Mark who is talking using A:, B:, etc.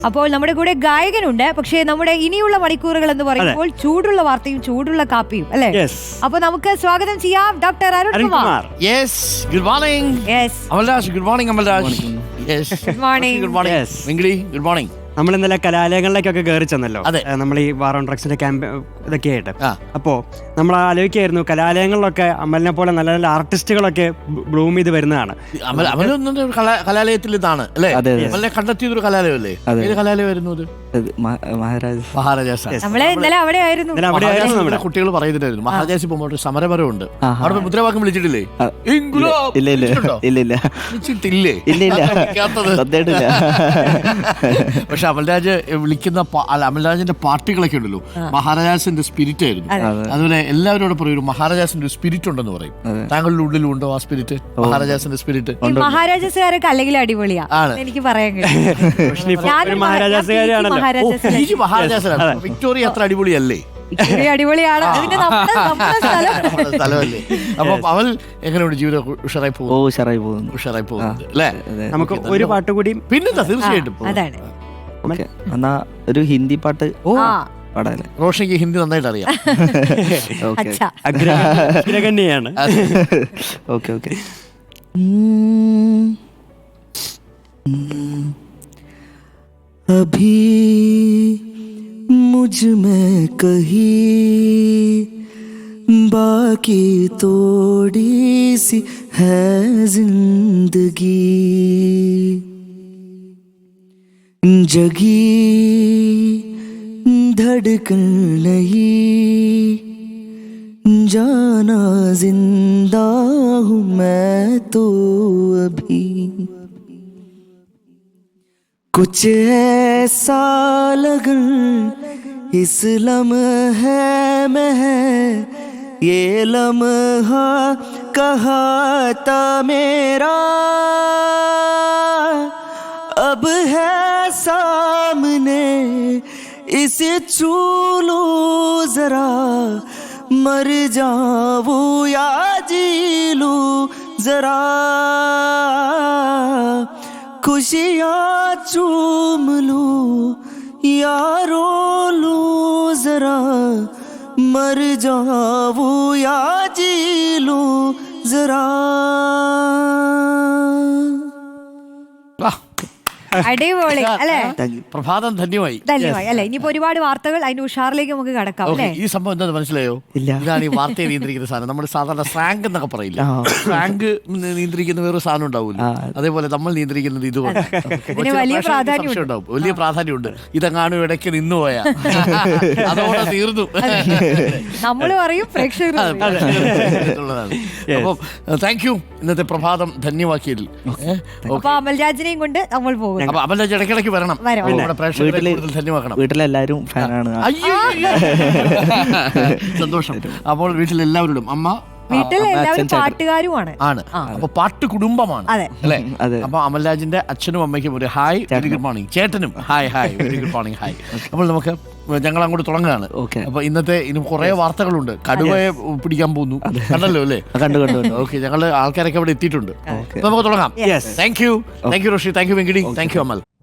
A: അപ്പോൾ നമ്മുടെ കൂടെ ഗായകനുണ്ട്. പക്ഷേ നമ്മുടെ ഇനിയുള്ള മണിക്കൂറുകൾ എന്ന് പറയുമ്പോൾ ചൂടുള്ള വാർത്തയും ചൂടുള്ള കാപ്പിയും അല്ലേ? അപ്പൊ നമുക്ക് സ്വാഗതം ചെയ്യാം doctor Arunkumar.
B: Good morning. Amalraj good morning. Amalraj
A: good morning.
B: Good morning Venkidi. Good morning.
C: നമ്മൾ ഇന്നലെ കലാലയങ്ങളിലേക്കൊക്കെ കയറി ചെന്നല്ലോ, നമ്മൾ ഈ വാർ ഓൺ ഡ്രഗ്സിന്റെ ക്യാമ്പ് ഇതൊക്കെ ആയിട്ട്. അപ്പോ നമ്മൾ ആലോചിക്കായിരുന്നു, കലാലയങ്ങളിലൊക്കെ അമലിനെ പോലെ നല്ല നല്ല ആർട്ടിസ്റ്റുകളൊക്കെ ബ്ലൂം ചെയ്ത് വരുന്നതാണ്.
B: കലാലയത്തിൽ ഇതാണ് അല്ലേ? അമലിനെ കണ്ടെത്തിയതൊരു കലാലയമല്ലേ? ഏത് കലാലയമായിരുന്നു അത്? കുട്ടികൾ പറയുന്നുണ്ടായിരുന്നു മഹാരാജാസ് പോകുമ്പോൾ സമരപരമുണ്ട്, അവിടെ മുദ്രാവാക്യം വിളിച്ചിട്ടില്ലേ? പക്ഷെ അമൽരാജ് വിളിക്കുന്ന അമൽരാജിന്റെ പാർട്ടികളൊക്കെ ഉണ്ടല്ലോ, മഹാരാജാസിന്റെ സ്പിരിറ്റ് ആയിരുന്നു. അതുപോലെ എല്ലാവരോടും പറയും മഹാരാജാസിന്റെ ഒരു സ്പിരിറ്റ് ഉണ്ടെന്ന് പറയും. താങ്കളുടെ ഉള്ളിലും ഉണ്ടോ ആ സ്പിരിറ്റ്? മഹാരാജാസിന്റെ സ്പിരിറ്റ്.
A: മഹാരാജാസുകാരൊക്കെ അല്ലെങ്കിൽ അടിപൊളിയാണ്, എനിക്ക് പറയാൻ
B: വിക്ടോറിയ അത്ര അടിപൊളിയല്ലേ?
A: അടിപൊളിയാണ്,
B: സ്ഥലമല്ലേ? അപ്പൊ അവൾ എങ്ങനെയുണ്ട് ജീവിതം? ഉഷാറായി പോകുന്നു അല്ലേ?
C: നമുക്ക് ഒരു പാട്ട് കൂടി
B: പിന്നെന്താ, തീർച്ചയായിട്ടും
D: എന്നാ ഒരു ഹിന്ദി പാട്ട് പാടാല്ലേ?
B: റോഷയ്ക്ക് ഹിന്ദി നന്നായിട്ട് അറിയാം.
C: അഗ്രഗണ്യാണ്.
D: Okay okay. अभी मुझ में कहीं बाकी थोड़ी सी है जिंदगी, जगी धड़कन नहीं, जाना जिंदा हूँ मैं तो अभी, कुछ ऐसा लगन इस लम्हे में है, ये लम्हा कहा था मेरा, अब है सामने इसे छू लो जरा, मर जाऊं या जी लूं जरा, खुशियाँ चूम लूं या रो लूं जरा, मर जाऊं या जी लूं जरा.
A: അടിപൊളി അല്ലേ?
B: പ്രഭാതം ധന്യമായി
A: അല്ലെ? ഇനിയിപ്പോ ഒരുപാട് വാർത്തകൾ അതിന്റെ ഉഷാറിലേക്ക് നമുക്ക് കടക്കാം അല്ലേ?
B: ഈ സംഭവം എന്താ മനസ്സിലായോ? ഇതാണ് ഈ വാർത്തയെ നിയന്ത്രിക്കുന്ന സാധനം. നമ്മൾ സാധാരണ സ്രാങ്ക് എന്നൊക്കെ പറയില്ല, സ്രാങ്ക് നിയന്ത്രിക്കുന്ന വേറൊരു സാധനം ഉണ്ടാവില്ല, അതേപോലെ നമ്മൾ നിയന്ത്രിക്കുന്നത് ഇതുപോലെ
A: വലിയ പ്രാധാന്യം
B: ഉണ്ടാവും, വലിയ പ്രാധാന്യമുണ്ട്. ഇതെങ്ങാനും ഇടയ്ക്ക് നിന്നു പോയാ അതോടെ തീർന്നു
A: നമ്മൾ പറയും, പ്രേക്ഷകർ.
B: അപ്പം താങ്ക് യു ഇന്നത്തെ പ്രഭാതം ധന്യമാക്കിയതിൽ.
A: അപ്പൊ അമൽരാജിനെയും കൊണ്ട് നമ്മൾ പോകും.
B: അപ്പൊ അമൽരാജ് ഇടയ്ക്കിടയ്ക്ക് വരണം, ധന്യമാക്കണം.
D: വീട്ടിലെല്ലാരും ഫാനാണ്.
B: സന്തോഷം. അപ്പോൾ വീട്ടിലെല്ലാവരോടും അമ്മ
A: വീട്ടിലെല്ലാവരും പാട്ടുകാരുമാണ്.
B: അപ്പൊ പാട്ട് കുടുംബമാണ് അല്ലേ? അപ്പൊ അമൽരാജിന്റെ അച്ഛനും അമ്മയ്ക്കും ഒരു ഹായ്, വെരി ഗുഡ് മോർണിംഗ്. ചേട്ടനും hi hi, very good morning, hi. അപ്പോൾ നമുക്ക് ഞങ്ങൾ അങ്ങോട്ട് തുടങ്ങുകയാണ്. അപ്പൊ ഇന്നത്തെ ഇനി കുറെ വാർത്തകളുണ്ട്. കടുവയെ പിടിക്കാൻ പോകുന്നു, കണ്ടല്ലോ അല്ലേ? ഓക്കെ, ഞങ്ങള് ആൾക്കാരൊക്കെ അവിടെ എത്തിയിട്ടുണ്ട്. നമുക്ക് തുടങ്ങാം. Thank you Roshi, thank you Venkidi, thank you Amal.